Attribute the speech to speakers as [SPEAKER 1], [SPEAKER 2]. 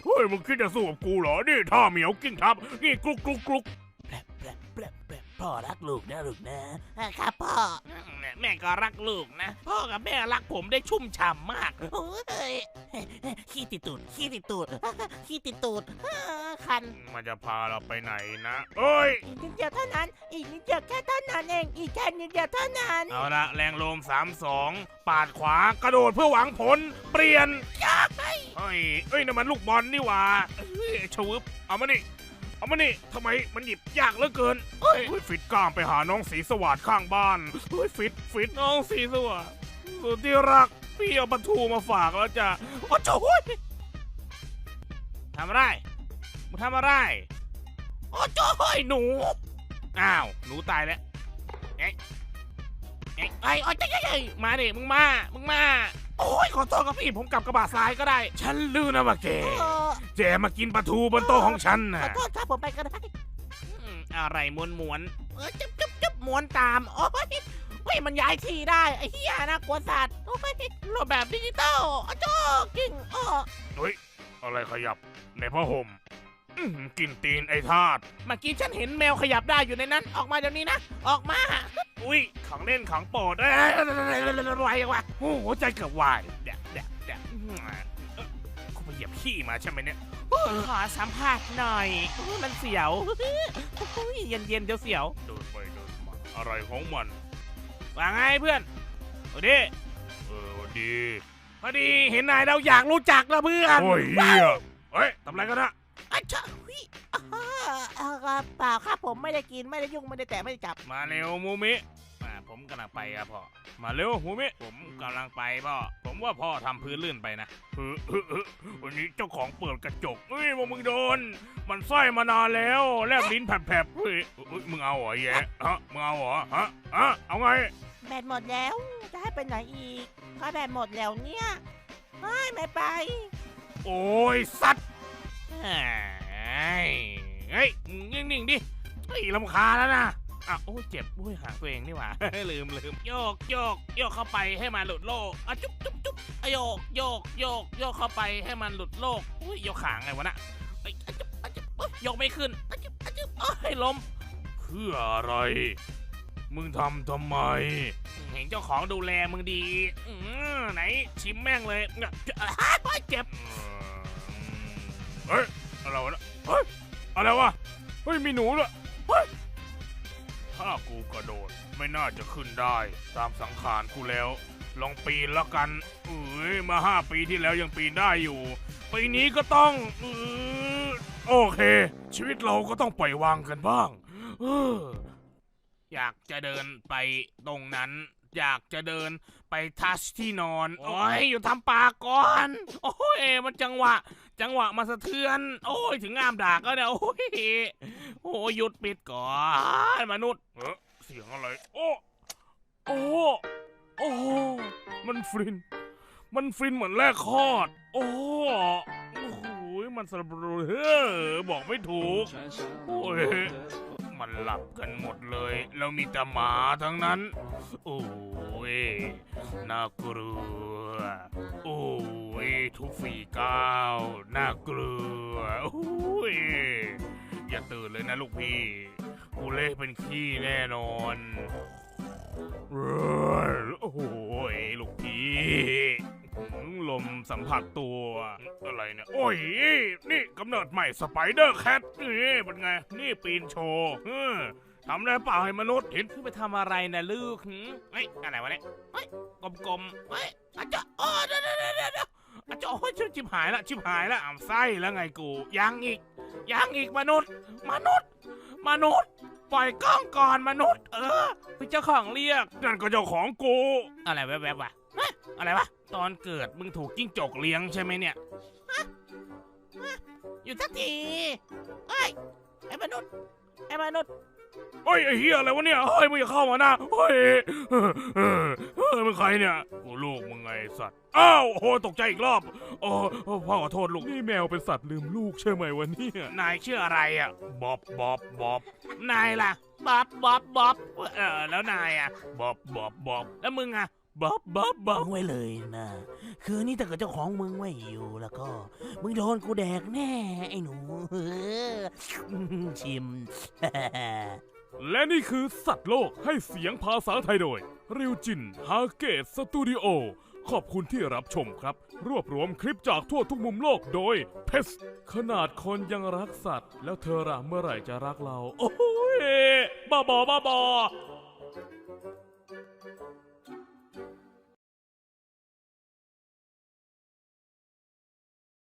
[SPEAKER 1] เฮ้ยมึงคิดจะสู้กับกูเหรอนี่ท่าเหมียวกิ้งทับนี่กลุกกลุกกลุก
[SPEAKER 2] พ่อรักลูกนะลูกนะครับพ่อ
[SPEAKER 3] แม่ก็รักลูกนะพ่อกับแม่รักผมได้ชุ่มฉ่ำมาก
[SPEAKER 2] โอ้ยขี้ติดตูดขี้ติดตูดขี้ติดตูดคัน
[SPEAKER 1] มันจะพาเราไปไหนนะเอ้ย
[SPEAKER 2] อีกนิดเดียวเท่านั้นอีกนิดเดียวแค่เท่านั้นเองอีกแค่นิดเดียวเท่านั้น
[SPEAKER 1] เอาละแรงลม3-2ปาดขวากระโดดเพื่อหวังผลเปลี่ยนเฮ้ยนั่นมันลูกบอลนี่หว่าเฮ้ยชวึบเอามานี่ทำไมมันหยิบยากเหลือเกินเฮ้ยฟิตกล้ามไปหาน้องสีสวัสดิ์ข้างบ้านเฮ้ยฟิตน้องสีสวัสดิ์สุดที่รักพี่เอาปลาทูมาฝากแล้วจ้ะโอ้โจ้ยทำอะไรมึงทำอะไรโอ้โจ้ยหนูอ้าวหนูตายแล้วไอ้มาดิมึงมาโอ้ยขอโทษครับพี่ผมกลับกระบะซ้ายก็ได้ฉันลืมนะว่าแกมากินปลาทูบนโต๊ะของฉัน
[SPEAKER 2] ข
[SPEAKER 1] นะ
[SPEAKER 2] อโทษครับผมไปก็ได้
[SPEAKER 3] อะไรม้วน
[SPEAKER 2] จุ๊บม้วนตามโอ้ยเฮ้ยมันย้ายทีได้ไอ้เหี้ยนะกลัวสัตว์โอ้ยรูปแบบดิจิตอลอ้โจ้กิ้ง
[SPEAKER 1] เฮ้ยอะไรขยับในผ้าห่มกินตีนไอ้ทาส
[SPEAKER 3] ๆเมื่อกี้ฉันเห็นแมวขยับได้อยู่ในนั้นออกมาเดี๋ยวนี้นะออกมา
[SPEAKER 1] อุ้ยของเล่นของโปรดไวจังวะโอ้โหใจเกือบวายเดี๋ยวกูไปเหยียบขี้มาใช่ไหมเนี่ย
[SPEAKER 3] ขอสัมภาษณ์หน่อยมันเสียวเย็นๆเดี๋ยวเสียว
[SPEAKER 1] เดินไปเดินมาอะไรของมัน
[SPEAKER 3] ว่าไงเพื่อนโอ้ดิ
[SPEAKER 1] ดี
[SPEAKER 3] พอดีเห็นนายเราอยากรู้จักแล้วเพื่อน
[SPEAKER 1] โอ้ยเฮียเฮ้ยทำอะไรกันนะ
[SPEAKER 2] อ้โจ้เปล่าครับผมไม่ได้กินไม่ได้ยุ่งไม่ได้แตะไม่ได้จับ
[SPEAKER 1] มาเร็วมูมิผมกำลังไปครับพ่อมาเร็วมูมิผมกำลังไปพ่อผมว่าพ่อทำพื้นลื่นไปนะวันนี้เจ้าของเปิดกระจกเฮ้ยมึงโดนมันไส้มานานแล้วแลบลิ้นแผลบๆเฮ้ยมึงเอาเหรอแย่ฮะมึงเอาเหรอฮะเอาไง
[SPEAKER 2] แบตหมดแล้วจะให้ไปไหนอีกถ้าแบตหมดแล้วเนี่ยไม่ไป
[SPEAKER 1] โอ้ยสัตว์เฮ้ยนิ่งๆดิเฮ้ยรำคาญแล้วนะโอ้ยเจ็บโอ้ยหางตัวเองนี่หว่า ลืมโยกเข้าไปให้มันหลุดโลกจุ๊บโยกเข้าไปให้มันหลุดโลกอุ้ยโยกขางไงวะน่ะยกไม่ขึ้นให้ล้มเพื่ออะไรมึงทำไมเห็นเจ้าของดูแลมึงดีไหนชิมแม่งเลยเจ็บเฮ้ยอะไรวะเฮ้ยอะไรวะเฮ้ยมีหนูด้วยถ้ากูกระโดดไม่น่าจะขึ้นได้ตามสังขารกูแล้วลองปีนแล้วกันมา5 ปีที่แล้วยังปีนได้อยู่ปีนี้ก็ต้องโอเคชีวิตเราก็ต้องปล่อยวางกันบ้างอยากจะเดินไปตรงนั้นอยากจะเดินไปทัชที่นอนโอ้ยอยู่ทำปากก่อนโอ้ยมันจังหวะมาสะเทือนโอ้ยถึงงามดากแล้วเนี่ยโอ้ยหยุดปิดก่อนมนุษย์เสียงอะไรโอ้มันฟินเหมือนแรกคลอดโอ้โหมันสะบรูบอกไม่ถูกโอ้ยมันหลับกันหมดเลยแล้วมีแต่หมาทั้งนั้นโอ้ยน่ากลัวโอ้ยทุกฝีก้าวน่ากลัวโอ้ยอย่าตื่นเลยนะลูกพี่กูเละเป็นขี้แน่นอนโอ้โหลูกพี่ลมสัมผัสตัวอะไรเนี่ยโอ้ยนี่กำเนิดใหม่สไปเดอร์แคทนี่เป็นไงนี่ปีนโชว์ทำได้เปล่าให้มนุษย์เห็น
[SPEAKER 3] ไปทำอะไรนะลูกเฮ้ยอะไรวะเนี่ยเฮ้ยกลมๆเฮ้ยอาจจะเดี๋ยวอาจจะโอ้ยชิบหายละไส้แล้วไงกูยังอีกมนุษย์ปล่อยกล้องก่อนมนุษย์เป็นเจ้าของเรียก
[SPEAKER 1] นั่นก็เจ้าของกู
[SPEAKER 3] อะไรแวบๆวะอะไรวะตอนเกิดมึงถูกจิ้งจกเลี้ยงใช่ไหมเนี่ย
[SPEAKER 2] อยู่สักทีไอ้มนุษย์
[SPEAKER 1] เฮ้ยไอ้เหี้ยอะไรวะเนี่ยเฮ้ยมึงอย่าเข้ามานะเฮ้ยมึงใครเนี่ยกูลูกมึงไงสัตว์อ้าวโอ้ตกใจอีกรอบโอ้พ่อขอโทษลูกนี่แมวเป็นสัตว์ลืมลูกใช่ไหมวะเนี่ยนายชื่ออะไรอ่ะบ๊อบนายล่ะบ๊อบแล้วนายอ่ะบ๊อบแล้วมึงอ่ะ
[SPEAKER 3] บับบับบับ
[SPEAKER 2] มึงไว้เลยนะ คือนี่ถ้าเกิดเจ้าของมึงไม่อยู่แล้วก็มึงโดนกูแดกแน่ไอ้หนู ชิม
[SPEAKER 3] และนี่คือสัตว์โลกให้เสียงภาษาไทยโดย ริวจิน ฮาเกตสตูดิโอ ขอบคุณที่รับชมครับ รวบรวมคลิปจากทั่วทุกมุมโลกโดยเพสขนาดคนยังรักสัตว์ แล้วเธอล่ะเมื่อไหร่จะรักเรา โอ้ยบ้าบอ